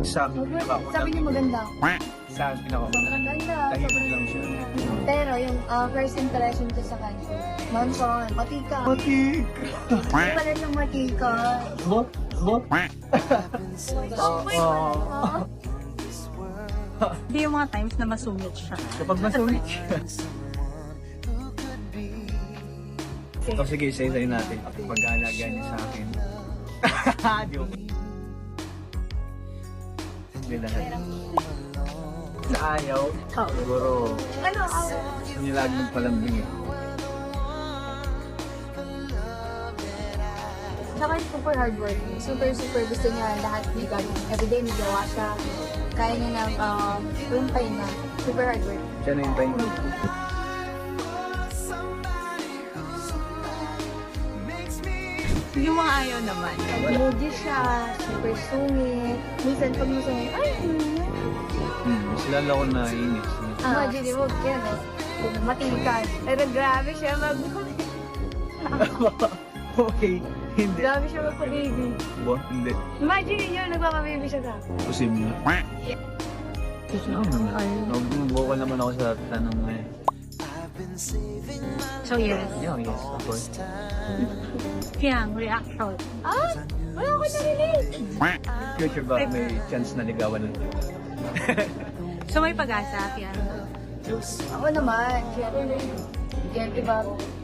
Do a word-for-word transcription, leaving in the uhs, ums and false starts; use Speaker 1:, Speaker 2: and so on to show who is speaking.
Speaker 1: Sa akin, pinaka-
Speaker 2: Sabi niyo maganda.
Speaker 1: Sa akin, pinaka-
Speaker 2: Sobrang ganda.
Speaker 1: Tahimik
Speaker 2: Sobrang
Speaker 1: lang siya.
Speaker 2: Pero yung uh, first impression ko sa kanya, Manson, matika.
Speaker 1: Matik!
Speaker 2: Hindi pala siyang matika.
Speaker 1: Bot? Bot?
Speaker 2: Oh,
Speaker 1: Oo.
Speaker 3: Hindi yung mga times na masungit siya.
Speaker 1: Kapag masungit siya. O sige, isa-isayin natin. Pag-aalaga niya sa akin. Joke. Hindi lahat. Sa ayaw, siguro,
Speaker 2: Ano, ako?
Speaker 1: hindi lagi magpalambing eh.
Speaker 2: Saka super hardworking. Super, super gusto niya lahat may gagawin. Everyday may gawa siya. Kaya niya na um, rumpay na. Super hardworking.
Speaker 1: Siya na yung time.
Speaker 3: Yung mga ayaw naman.
Speaker 2: Moody siya, super sungit. Minsan pag masungit, ay, hmm.
Speaker 1: Hmm, sila lang ako naiinis.
Speaker 2: Imagine mo, yan o. Kung matikas. Pero grabe siya mag...
Speaker 1: Okay, hindi.
Speaker 2: grabe siya magpa-baby.
Speaker 1: Bo, hindi.
Speaker 2: Imagine niyo, nagpapa-baby siya sa...
Speaker 1: Posible. Kasi ako naman. Nag-vocal naman ako sa tanong na yun.
Speaker 3: So yes.
Speaker 1: Yeah, yes, of course.
Speaker 3: Kaya ang reaction.
Speaker 2: Ah! Wala ko narinig!
Speaker 1: Future ba may chance na ligawan ng
Speaker 3: So may pag-asa, kaya.
Speaker 2: Ako naman, syempre, syempre ba,